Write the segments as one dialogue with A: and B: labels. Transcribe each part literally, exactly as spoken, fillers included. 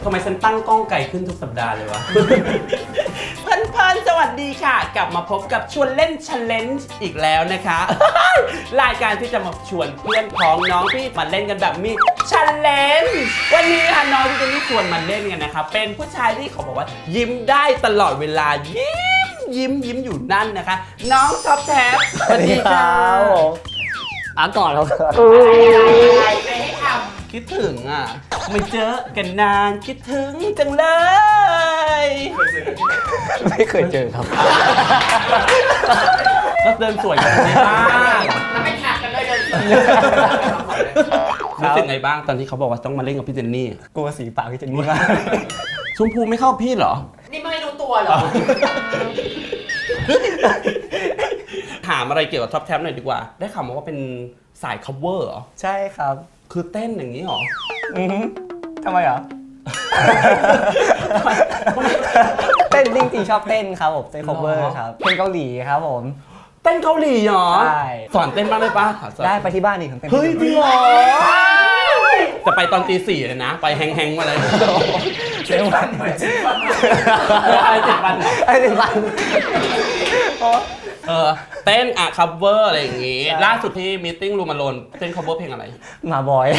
A: ทำไมฉันตั้งกล้องไกลขึ้นทุกสัปดาห์เลยวะ เพื่อนๆสวัสดีค่ะกลับมาพบกับชวนเล่น Challenge อีกแล้วนะคะ รายการที่จะมาชวนเพื่อนพ้องน้องพี่มาเล่นกันแบบมี Challenge วันนี้ค่ะน้องที่จะนี่ชวนมาเล่นกันนะคะเป็นผู้ชายที่เขาบอกว่ายิ้มได้ตลอดเวลายิ้มยิ้มยิ้มอยู่นั่นนะคะ น้องท็อปแท็บสวัสดีค่ะ
B: อ่ะก่อนครับ
A: คิดถึงอ่ะไม่เจอกันนานคิดถึงจังเลย
B: ไม่เคยเจอครับ
A: ก็เดินสวยกันในบ้านแล้วไม่ขาดกันเลยเดินรู้สึกไงบ้างตอนที่เขาบอกว่าต้องมาเล่นกับพี่เจนนี่
B: กลัวสีปากพี่เจนนี่มาก
A: ชมพูไม่เข้าพี่เหรอ
C: นี่ไม่รู้ตัวเหรอ
A: ถามอะไรเกี่ยวกับท็อปแท็บหน่อยดีกว่าได้ข่าวมาว่าเป็นสาย cover เหรอ
B: ใช่ครับ
A: คือเต้นอย่างนี้เหรอ
B: อือฮึทำไมเหรอ เต้นจริงๆชอบเต้นครับผมเต้น cover ครับเพลงเกาหลีครับผม
A: เต้นเกาหลีเหรอ
B: ใช่
A: สอนเต้นบ้างได้ปะสอน
B: ได้ไปที่บ้านนี่ผมเต้น
A: เฮ้ยจริงเหรอจะไปตอนตีสี่เลยนะ ไปแฮงๆมาเลย
B: เจ็ดวัน
A: ไอ้เจ็ดวันเหรอ
B: ไอ้เจ็ดวัน
A: เออเต้นอะ cover อะไรอย่างงี้
B: ใช่
A: ล่าสุดที่มีติ้งรูมาโลนเต้น cover เพลงอะไร
B: มาบอย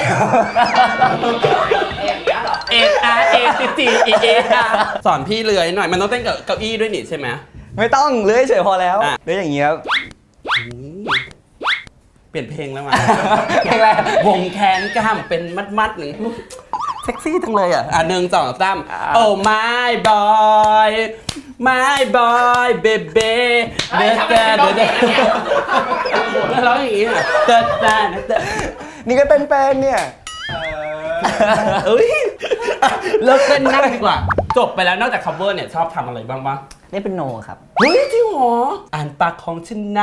C: เอ็มเนี้ยเหรอ
A: เออาร์เอจีจีเอเอสอนพี่เลื้อยหน่อยมันต้องเต้นกับเก้าอี้ด้วยนี่ใช่ไหม
B: ไม่ต้องเลื้อยเฉยพอแล้ว
A: อ่ะ
B: เลื้อยอย่างเงี้ยครับ
A: เปลี่ยนเพลงแล้วมา
B: เพลงอะไร
A: วงแขนกล้ามเป็นมัดๆหนึ่งเซ็กซี่จังเลยอ่ะอ่ะหนึ่งสองสามโอ้ my boy my boy baby
C: เฮ้ยทำไมเป็นร้องเพลงอย่างเงี้ย
A: แล้วร้องอย่างงี้อ่ะเติร์ดตาเติร์ด
B: นี่ก็เต้นเป็นเนี่ย
A: เอ้ยเลิกเต้นนั่งดีกว่า จบไปแล้วนอกจาก cover เนี่ยชอบทำอะไรบ้างบ้าง
B: นี่เป็นโนครับ
A: เฮ้ยจริงเหรออ่านปากของฉันนะ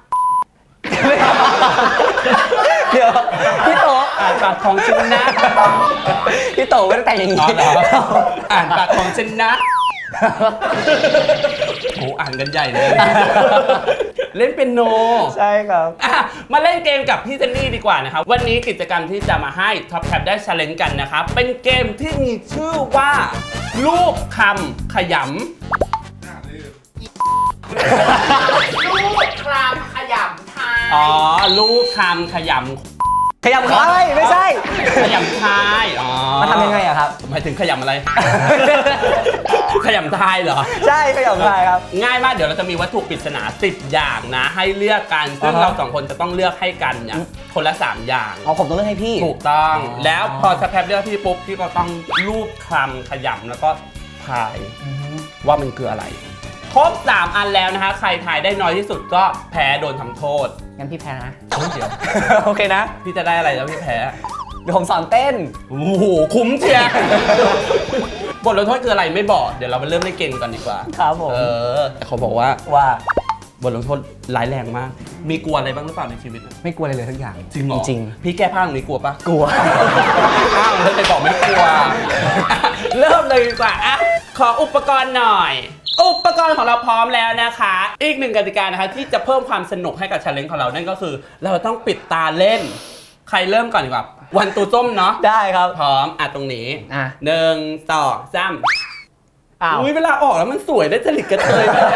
B: เดี๋ยวพี่โต
A: อ่านปากของฉันนะ
B: พี่โตไม่ได้แต่งอย่าง
A: อ๋อ
B: นี้
A: เหรออ่านปากของฉันนะโหอ่านกันใหญ่เลย เล่นเป็นโน
B: ใช่ครับ
A: อ่ะมาเล่นเกมกับพี่เจนนี่ดีกว่านะครับวันนี้กิจกรรมที่จะมาให้ท็อปแท็บได้ challenge กันนะครับเป็นเกมที่มีชื่อว่ารูปคำขยำ
C: ลูกคลามขยำทาย
A: อ๋อรูปคำขยำ
B: ขยับคายไม่ใช่
A: ขยำทายอ๋อ
B: มาทำยังไงอะครับ
A: หมายถึงขยำอะไร ขยำทายเหรอ
B: ใช่ขยับคายครับ
A: ง่ายมากเดี๋ยวเราจะมีวัตถุปริศนาสิบอย่างนะ ให้เลือกกันซึ่ง
B: อ่าฮะ
A: เราสองคนจะต้องเลือกให้กันเนี่ยคนละสามอย่าง
B: เอาผมต้องเลือกให้พี่
A: ถูกต้อง
B: อ๋อ
A: แล้วพอสแครปเลือกพี่ปุ๊บพี่ก็ต้องรูปคำขยำแล้วก็ทายว่ามันคืออะไร ครบสามอันแล้วนะคะใครทายได้น้อยที่สุดก็แพ้โดนทำโทษ
B: งั้นพี่แพ้นะ
A: เฮ้ยเดี๋ยว
B: โอเคนะ
A: พี่จะได้อะไรแล้วพี่แพ้
B: เดี๋ยวผมสอนเต้น
A: โอ้โหคุ้มเชียร์ บทลงโทษคืออะไรไม่บอกเดี๋ยวเราไปเริ่มเล่นเกมกันดีกว่า
B: ครับผม
A: เออแต่เขาบอกว่า
B: ว่า
A: บทลงโทษร้ายแรงมาก มีกลัวอะไรบ้างหรือเปล่าในชีวิต
B: ไม่กลัวอะไรเลยทุกอย่าง
A: จริงเหรอ
B: จริง
A: พี่แก้ผ้าตรงนี้กลัวปะ
B: กลัว
A: อ้าวแล้วไปบอกไม่กลัว เริ่มเลยดีกว่าอ่ะขออุปกรณ์หน่อย อุปกรณ์ของเราพร้อมแล้วนะคะ อีกหนึ่งกติกานะคะที่จะเพิ่มความสนุกให้กับ challenge ของเรานั่นก็คือ เราต้องปิดตาเล่น ใครเริ่มก่อนดีกว่าวันตูส้มเนาะ
B: ได้ครับ
A: พร้อมอ่ะตรงนี้
B: อ่ะ
A: หนึ่งสองสาม
B: อ้าว
A: อุ้ยเวลาออกแล้วมันสวยได้จริตกระเทยมาก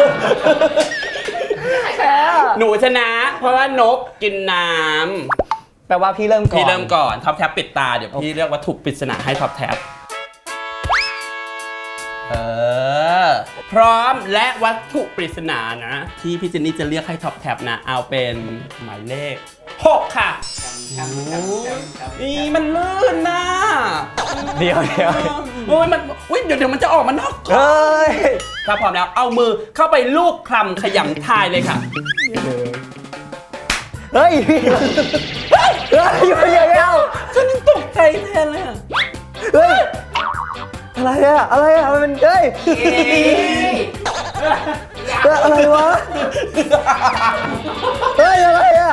B: แพ้
A: หนูชนะ เพราะว่านกกินน้ำ
B: แปลว่าพี่เริ่มก่อน
A: พี่เริ่มก่อนท็อปแท็บปิดตาเดี๋ยวพี่เลือกวัตถุปริศนาให้ท็อปแท็บเออพร้อมและวัตถุปริศนานะ ที่พี่เจนนี่จะเรียกให้ท็อปแท็บนะ เอาเป็นหมายเลขหกค่ะนี่มันลื่นนะ
B: เดี๋ยวเดี๋ยว
A: โอ้ยมันอุ้ยเดี๋ยวเดี๋ยวมันจะออกมานอกกล่อง
B: เฮ้ย
A: ถ้าพร้อมแล้วเอามือเข้าไปลูบคลำขยำทายเลยค่ะ
B: เฮ้ยพี่เฮ้ยอยู่เฉยๆเอา
A: ฉันยังตกใจแทนเลยอะ
B: เฮ้ยอะไรอะอะไรอะมันเป็นเฮ้ยเฮ้ยอะไรวะเฮ้ยอะไรอะ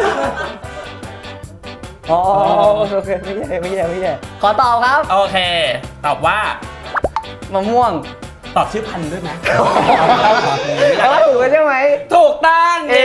B: อ๋อโอเคไม่ใช่ไม่ใช่ไม่ใช่ขอตอบครับ
A: โอเค ตอบว่าม
B: ะม่วง
A: ตอบชื่อพันธุ์ด้วยไหม
B: แต่ว่าถูกใช่ไหม
A: ถูกต้องเย้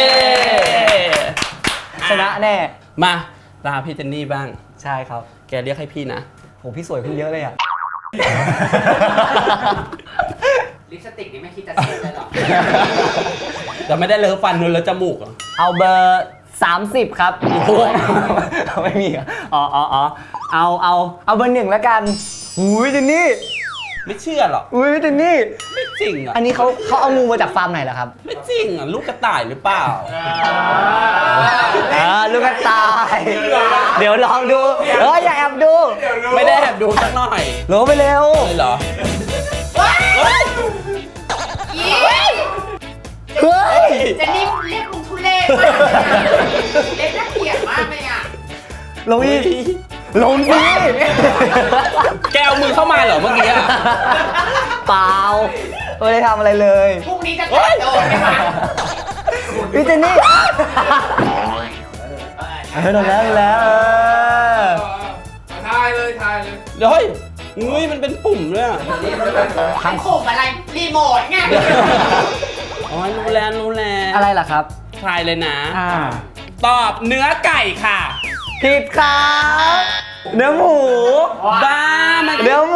B: ชนะแน่
A: มาตาพี่เจนนี่บ้าง
B: ใช่ครับ
A: แกเรียกให้พี่นะ
B: โหพี่สวยขึ้นเยอะเลยอ่ะ
C: ลิปสติกนี่ไม่คิดจะซื้อเลยหรอ
A: แต่ไม่ได้เลอะฟันเลอะจมูกเหรอ
B: เอาเบอร์สามสิบครับโอ้โหไม่มีเหรออ๋ออ๋ออ๋อเอาเอาเอาเบอร์หนึ่งแล้วกันอุ้ยเจนนี่
A: ไม่เชื่อหรอก
B: อุ้ยเจนนี่
A: ไม่จริงอ่ะ
B: อันนี้เขาเขาเอางูมาจากฟาร์มไหนเหรอครับ
A: ไม่จริงอ่ะลูกกระต่ายหรือเปล่า
B: อ่าลูกกระต่าย เดี๋ยวลองดูเอออย่าแอบดู
A: ไม่ได้แอบดูสักหน่อย
B: ลงไปเร็ว
A: เลยเหรอ
C: อี
B: เฮ้ย
C: เจนนี่เรียกมึงทุเรศมากเลยอะเรียกน่าเกลียดมากเลยอ่ะ
B: ลงอีกลงสิ
A: แกเอามือเข้ามาเหรอเมื่อกี้อะ
B: เปล่าไม่ได้ทำอะไรเลย
C: พรุ่งนี้จะแต่งโดนไหมคะ
B: พี่เจนนี่เออโดนแล้วโดนแล้วเออ
D: ทายเลยทายเลย
A: เดี๋ยวเฮ้ยอุ้ยมันเป็นปุ่มด้วยอะ
C: ทั้งข่มอะไรรีโมทไง
A: อ๋อรู้แล้วรู้แล้ว
B: อะไรล่ะครับ
A: ทายเลยนะ
B: อ่า
A: ตอบเนื้อไก่ค่ะ
B: ผิดครับเนื้อหมู
A: บ้ามัน
B: เนื้อหมู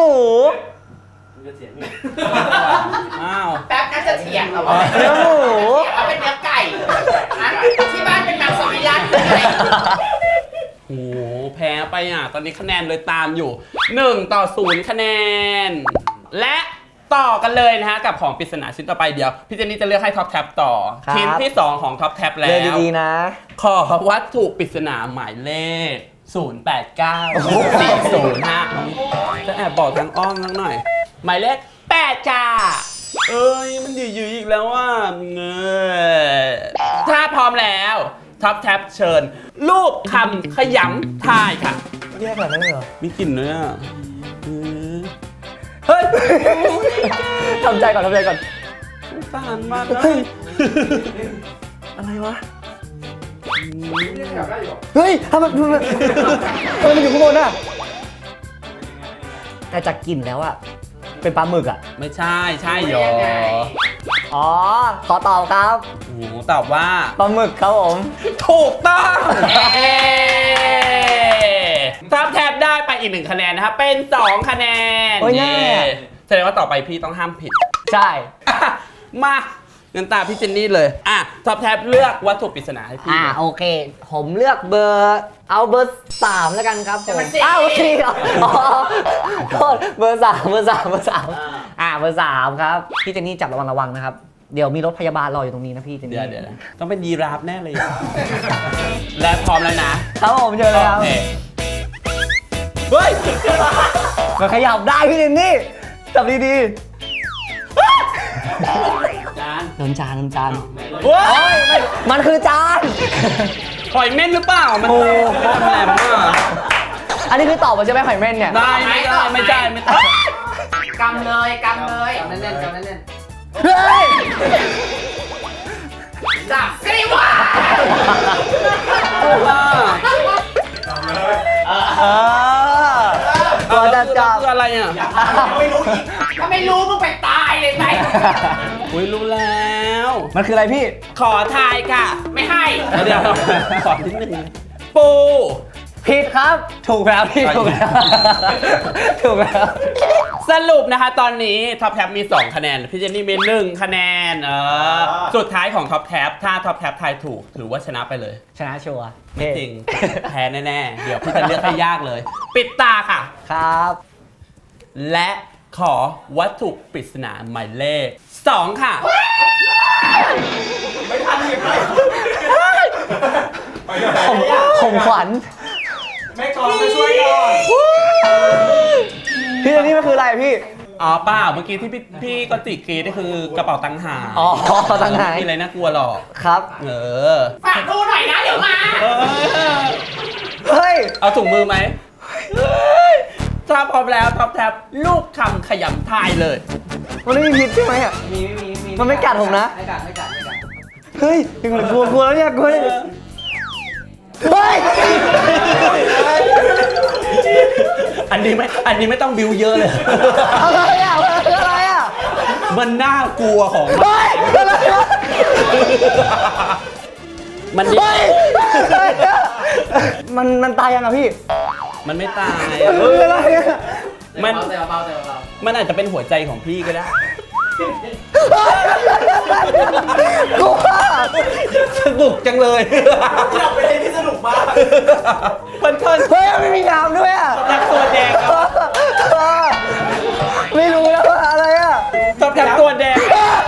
A: อ้าว
C: แป๊บน่าจะเถียงเหรอวะ
B: เนื้อหมู
C: เอาเป็นเนื้อไก่อะที่บ้านเป็นมังสวิรัติเลย
A: โอ้โหแพ้ไปอ่ะ ตอนนี้คะแนนเลยตามอยู่หนึ่งต่อศูนย์คะแนน และต่อกันเลยนะฮะ กับของปริศนาชิ้นต่อไปเดี๋ยว พี่เจนนี่จะเลือกให้ท็อปแท็บต่อ ชิ้นที่สองของท็อปแท็บแล้
B: เลือก
A: ว
B: ดีๆนะ
A: ขอวัตถุปริศนาหมายเลข ศูนย์ แปด เก้า สี่ ศูนย์ ห้า จะแอบบอกทางอ้อมสักหน่อย หมายเลขแปดจ้า เอ้ย มันยืดๆอีกแล้วว่าเงยถ้าพร้อมแล้วท็อปแท็บเชิญ รูปคำขยำทายค่ะ
B: เรียกแบบนั้นเลยเหรอ
A: มีกลิ่นด้วยอ่ะเออเฮ้ย
B: ทำใจก่อนทำใจก่อน
A: สงสารมากเล
B: เฮ้
A: ย
B: ย อะไรวะ
D: เรียกแบบได้อยู่
B: เฮ้ยทำไมทำไมทำไมมันอยู่ข้างบนอ่ะ แต่จากกลิ่นแล้วอ่ะ เป็นปลาหมึกอ่ะ
A: ไม่ใช่ใช่หรอ
B: อ๋อ ขอตอบครับ
A: โอ้โหตอบว่า
B: ปลาหมึกครับผม
A: ถูกต้องท็อปแท็บได้ไปอีกหนึ่งคะแนนนะครับ เป็นสองคะแนน
B: โอ้ยแน่
A: แสดงว่าต่อไปพี่ต้องห้ามผิด
B: ใช่
A: อ่ะมาเงินตาพี่เจนนี่เลย อ่ะท็อปแท็บเลือกวัตถุปริศนาให้พี่
B: อ่าโอเค ผมเลือกเบอร์ เอาเบอร์สามแล้วกันครับผมอ้าวสี่เหรออ๋อโทษเบอร์สามเบอร์สามเบอร์สามอ่าเบอร์สามครับพี่เจนนี่จับระวังระวังนะครับ เดี๋ยวมีรถพยาบาลรออยู่ตรงนี้นะพี่เจน
A: เดี๋ยว
B: นี่
A: เดี๋ยวต้องเป็นยีราฟแน่เลย และพร้อมแล้วนะครับ
B: ผมเจอเลยครับ
A: โอเคเฮ้ย
B: มันขยับได้พี่เจนนี่จับดี
A: จาน
B: ๆโดนจานโดนจาน
A: เฮ้ย
B: มันคือจาน
A: หอยเม่นหรือเปล่า มัน
B: โอ้
A: แหลมมาก
B: อันนี้คือตอบมาใช่ไหมหอยเม่นเนี่ย
A: ได้ไม่ได้ไม่ได้ไม่ได้
C: กำเลยกำเลย
D: กำเล่นๆกำเล่น
B: เฮ้ย
C: จับสิวะ
B: เออตัวจะจับ
A: คืออะไรอ่ะ
C: ไม่รู้อีกถ้าไม่รู้มึงไปตายเลยไหม
A: อุ้ยรู้แล้ว
B: มันคืออะไรพี่
A: ขอทายค่ะ
C: ไม่ให้
A: เดี๋ยวขอนิดนึงปู
B: ผิดครับ ถูกแล้วพี่ถูกแล้วถูกแล้ว
A: สรุปนะคะตอนนี้ท็อปแท็บมีสองคะแนน พี่เจนนี่มีหนึ่งคะแนนเออสุดท้ายของท็อปแท็บถ้าท็อปแท็บทายถูก ถือว่าชนะไปเลย
B: ชนะชัวร์
A: ไม่จริง แพ้แน่ๆ เดี๋ยวพี่จะเลือกให้ยากเลย ปิดตาค่ะ
B: ครับ
A: และขอวัตถุปริศนาหมายเลขสองค่ะ
B: ผมผมขวัญ
D: ๆไม่ก่อนไปช่วยก่อน
B: พี่เจนนี่มันคืออะไรพี่
A: อ๋อเปล่าเมื่อกี้ที่พี่พี่ก็ติกรีดนี่คือกระเป๋าตังค์หาย
B: อ๋อตังค์หาย
A: มีอะไรน่ากลัวหรอก
B: ครับ
A: เออ
C: ฝากดูหน่อยนะเดี๋ยวมา
A: เออ
B: เฮ้ย
A: เอาถุงมือไหมเฮ้ยถ้าพร้อมแล้วท็อปแท็บลูกคำขยำทายเลย
B: มันไม่มีพิษใช่ไหมอ่ะ
D: มีมีมี
B: มันไม่กัดผมนะ
D: ไม่กัดไม่กัดไม่กัด
B: เฮ้ยยังกลัวกลัวแล้วเนี่ยกลัวเนี่ยเฮ้ย
A: อันนี้ไม่อันนี้ไม่ต้องบิวเยอะเลย
B: อะไรอ่ะมันคืออะไรอ่ะ
A: มันน่ากลัวของมัน
B: เฮ้ยอะไรวะ
A: มันดิ
B: เฮ้ยอะไรอ่ะมันมันตายยังอ่ะพี่
A: มันไม่ตาย
B: มันคืออะไรอ่ะ
A: มัน
D: เบาๆเบาๆเบา
A: มันอาจจะเป็นหัวใจของพี่ก็ได้
B: กูว่า
A: สนุกจังเลย
D: ๆเราไปเล่นที่สนุกมาก
A: เพื่อน
B: เฮ้ยไม่มีน้ำด้วยอ่ะ
A: ๆจับตัวแดงครับ
B: ไม่รู้แล้วว่าอะไรอ่ะ
A: ชอบจับตัวแดง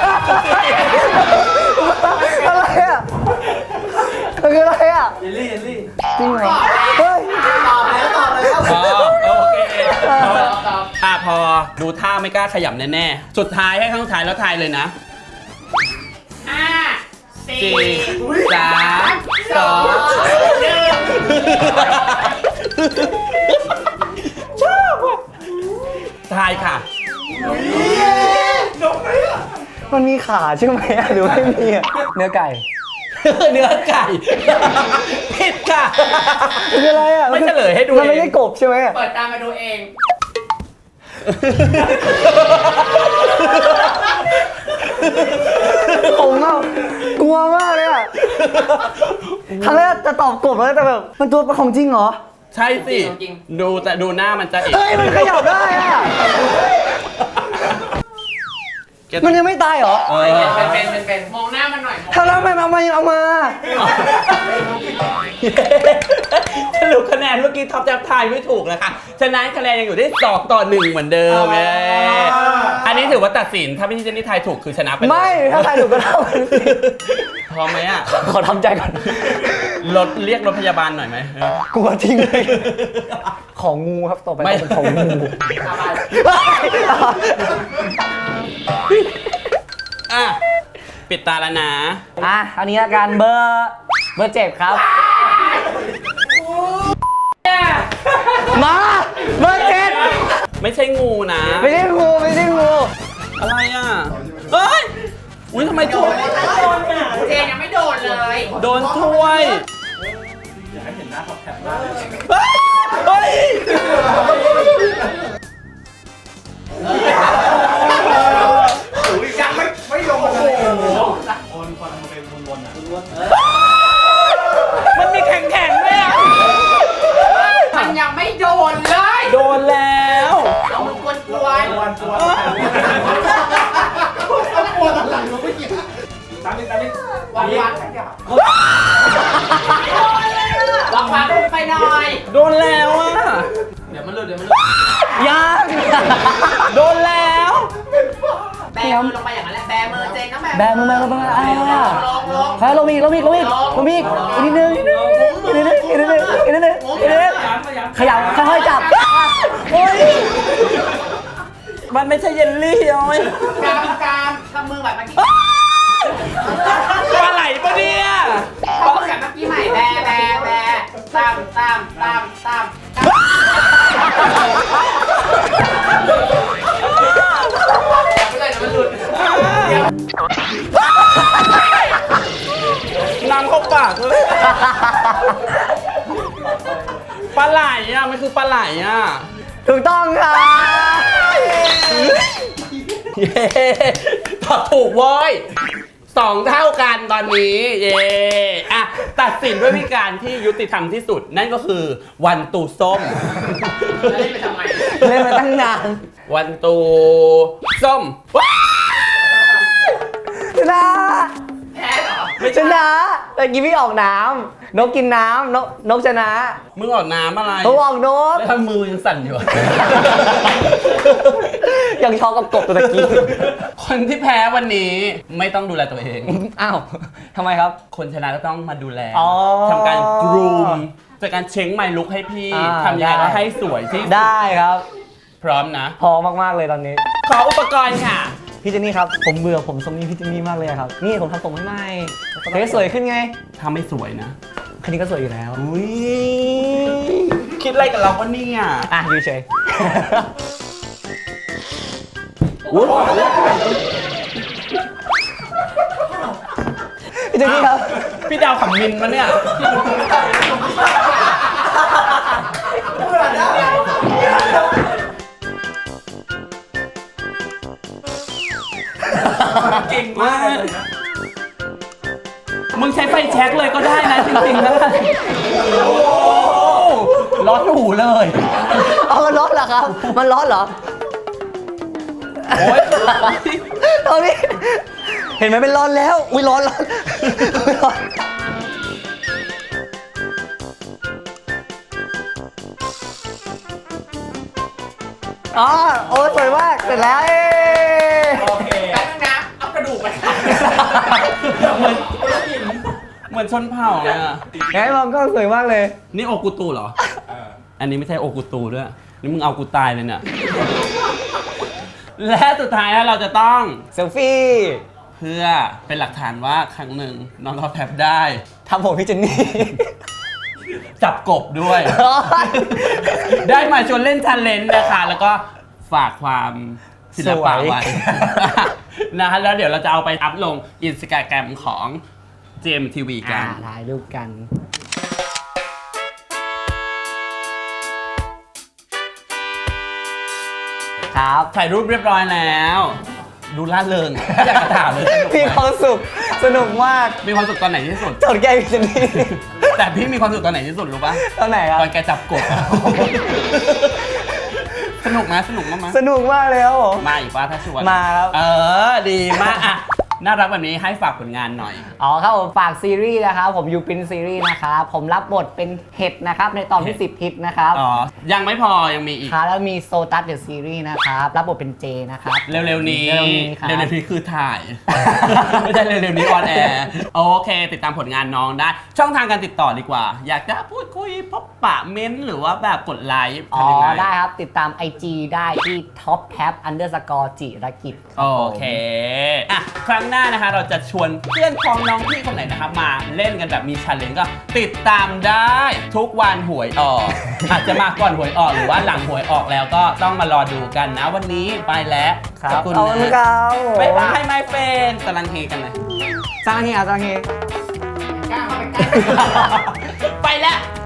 B: อะไรอ่ะมันคืออะไรอ่ะ
D: เยลลี่เยลลี่
B: จริงเหรอเฮ้ย
D: ตอบแล้วตอบแล้ว
A: อ๋อโอเค
D: ตอบตอบ
A: อ่ะพอดูท่าไม่กล้าขยับแน่ๆ สุดท้ายให้ข้างท้ายแล้วทายเลยนะ
C: ห้าสี่
A: สี่สามสองหนึ่งชอบอ่ะทายค่ะ
B: มันมีขาใช่ไหมอ่ะหรือไม่มีอ่ะเนื้อไก่
A: เนื้อไก่ผิดค่ะ
B: มันคืออะไรอ่ะ
A: ไม่เฉลยให้ดู
B: มันไม่
A: เอง
B: ใช่กบใช่ไหมอ่ะ
C: เปิดตามมาดูเอง
B: ผมอ่ะกลัวมากเลยอ่ะครั้งแรกจะตอบกบแล้วแต่แบบมันตัวของจริงเหรอ
A: ใช่สิ ดูแต่ดูหน้ามันจะเอก
B: เฮ้ยมันขยับได้อ่ะ
A: แก
B: มันยังไม่ตายเหรอ
A: เออ
C: เป็นเป็นเป็นเป็นมองหน้ามันหน่อยมอง
B: ถ้าแล้วทำไมมันเอามาเอามา
A: สรุปคะแนนเมื่อกี้ท็อปแจ็บทายไม่ถูกนะคะฉะนั้นคะแนนยังอยู่ที่สองต่อหนึ่งเหมือนเดิมเอ้ยอันนี้ถือว่าตัดสินถ้าพี่เจนนี่ทายถูกคือชนะไปเลย
B: ไม่ถ้าใครถูกก็เท่ากันสิ
A: พร้อมไหมอ่ะ
B: ขอทำใจก่อน
A: รถเรียกรถพยาบาลหน่อยไหม
B: กลัวจริงเลยของงูครับต่อไป
A: ไม่
B: เป็นของงู
A: อ่ะปิดตาแล้วนะ
B: อ่ะอันนี้ละกันเบอร์เบอร์เจ็ดครับ มาเบอร์เจ็ด
A: ไม่ใช่งูนะ
B: ไม่ใช่งูไม่ใช่งู
A: อะไรอ่ะเฮ้ยอุ้ยทำไมถ้วย
C: เจนยังไม่โดนเลย
A: โดนถ้วย
D: อยากให้เห็นหน้าท็อปแท็บมากเลย
A: เฮ้ยเฮ้ย
D: ยังไม่ไม่โดนเลยคนคนมันเป็นวนๆอ่ะวน
A: มันมีแข็งๆด้วยอ่ะ
C: มันยังไม่โดนเลย
A: โดนแล้ว
C: เอามือกวนกวน
D: ๆวนๆต้องวนหลังเราไม่เกี่ยวตามนี้ตามนี้
C: วันวันขยับลองฟังดูไปหน่อย
A: โดนแล้วอ่ะ
D: เดี๋ยวมันหลุดเดี๋ยวมันหลุด
B: ยัง
A: โดนแล้ว
C: แบมือลงไปอย่างนั้นแหละแบมือเจนนะ
B: แบมือมาแล้วมาอ่า
C: ลงลง
B: ใครลงอีกลงอีกลงอีกลงอีกอีกนิดนึงอีกนิดนึงอีกนิดนึงอีกนิดนึงอีกนิดนึงขยับค่อยๆจับโอ้ย
A: มันไม่ใช่เยลลี่โอ้ย
C: กามกามทำมือแบบเมื่อกี้
A: ปลาไหลปะเนี่ย
C: ทำมือแบบเมื่อกี้ใหม่แบแบแบตามตามตามตาม
A: น้ำเข้าปากเลยปลาไหลอ่ะมันคือปลาไหลอ่ะ
B: ถูกต้องค่ะ
A: เย้ตอบถูกเว้ยสองเท่ากันตอนนี้ เย้อะตัดสินด้วยวิธีการที่ยุติธรรมที่สุด นั่นก็คือวันตูส้ม
C: เล่นไปทำไม
B: เล่นมาตั้งนาน
A: วันตูส้มว้าย
B: ชนะ
C: แพ้เหรอ
A: ไม่
B: ช
A: ใช่
B: นะแต่กี้พี่ออกน้ำนกกินน้ำนกนกชนะ
A: มึงออกน้ำอะไร
B: เขาออกนก
A: แล้วทำมือยังสั่นอยู่อะ
B: ยังช็อกกับกบตัวตะกี้
A: คนที่แพ้วันนี้ไม่ต้องดูแลตัวเอง
B: อ้าวทำไมครับ
A: คนชนะก็ต้องมาดูแล
B: อ๋อ
A: ทำการกรูมจากการเช็งไมลุกให้พี่
B: อ่า
A: ทำยังไง
B: ได้
A: ก็ให้สวยที่สุด
B: ได้ครับ
A: พร้อมนะ
B: พอมากๆเลยตอนนี้
A: ขออุปกรณ์ค่ะ
B: พี่เจนนี่ครับ ผมเบื่อผมทรงนี้พี่เจนนี่มากเลยครับ นี่ผมทำผมให้ใหม่เฮ้ยสวยขึ้นไง
A: ถ้าไม่สวยนะ
B: คันนี้ก็สวยอยู่แล้ว
A: อุ้ยคิดอะไรกับเราวะเนี่ย
B: อ่ะอยู่เฉย
A: อุ๊ย
B: พี่เจนนี่ครับ
A: พี่ดาวขำมินมาเนี่ย
D: เก่งมากเลยนะ
A: มึงใช้ไฟแช็กเลยก็ได้นะจริงๆนะโอ้โหร้อนหูเลย
B: เอามันร้อนเหรอครับ มันร้อนเหรอ
A: โอ๊ย
B: ตอนนี้เห็นไหมเป็นร้อนแล้ว อุ้ยร้อนร้อนอุ๊ยร้อนอ๋อโอ้ยสวยมากเสร็จแล้วเอ้
A: โอเค
C: แล้วนะเอากระดูกไปค่ะ
A: เหมือนเหมือนชนเผ่าเลยอ่ะ
B: ไงมองก็สวยมากเลย
A: นี่โอกุตูเหรอ อันนี้ไม่ใช่โอกุตูด้วย นี่มึงเอากูตายเลยเนี่ย และสุดท้ายแล้วเราจะต้อง
B: เซลฟี่
A: เพื่อเป็นหลักฐานว่าครั้งหนึ่งน้องท็อปแท็บได้
B: ทำผมพี่เจนนี่
A: จับกบด้วย ได้มาชวนเล่นชันเลนนะคะ แล้วก็ฝากความศิลปะไว้ นะฮะแล้วเดี๋ยวเราจะเอาไปอัพลงอินสตาแกรมของ เจ เอ็ม ที วี กั
B: อ่าน ถ่ายรูปกัน ครับ
A: ถ่ายรูปเรียบร้อยแล้ว ดูล่าเริงอยากจะถามเลยสนุก
B: มี
A: ไห
B: ความสุข สนุกมาก
A: มีความสุขตอนไหนที่สุด
B: จดแก้พี่เจนนี่
A: แต่พี่มีความสุขตอนไหนที่สุดรู้ปะ
B: ตอนไหนครับ
A: ตอนแกจับกบ สนุกไหมสนุกมากไหม
B: สนุกมากเลยครับผม
A: มาอีกป่ะถ้าชวน
B: มาครับ
A: เออ ดีมากอ่ะน่ารักแบบนี้ให้ฝากผลงานหน่อย
B: อ๋อครับผมฝากซีรีส์นะครับ ผมยูปินซีรีส์นะครับ ผมรับบทเป็นเห็ดนะครับ ในตอนที่ สิบฮิตนะครับ
A: อ๋อ ยังไม่พอยังมีอีก
B: ครับแล้วมีโซตัสเดอะซีรีส์นะครับ รับบทเป็นเจนะครับ
A: เร็วๆนี้
B: เร็วๆนี้ครับ
A: เร็วๆนี้คือถ่าย ไม่ใช่เร็วๆนี้ออนแอร์โอเค ติดตามผลงานน้องได้ ช่องทางการติดต่อดีกว่า อยากจะพูดคุยพบปะเม้นท์หรือว่าแบบกดไลค์
B: อ๋อ
A: ทำยังไง
B: ได้ครับ ติดตาม ไอ จี ได้ที่ ท็อปแท็บ อันเดอร์สกอร์ จิรกิจครับ
A: โอเค อ่ะ ครั้งหน้านะคะ เราจะชวนเพื่อนพ้องน้องพี่คนไหนนะครับ มาเล่นกันแบบมีชันเลนก็ติดตามได้ทุกวันหวยออก อาจจะมาก่อนหวยออกหรือว่าหลังหวยออกแล้วก็ต้องมารอดูกันนะวันนี้ไปแล้ว
B: ครับ
A: ขอบคุณ
B: เอาละ
A: นะครับ บ๊ายบายไมเฟนกำลังเฮกันเลย
B: สร้างเฮียสร้างเฮีย
C: กล้าเข้าไปใกล้
A: ไปแล้ว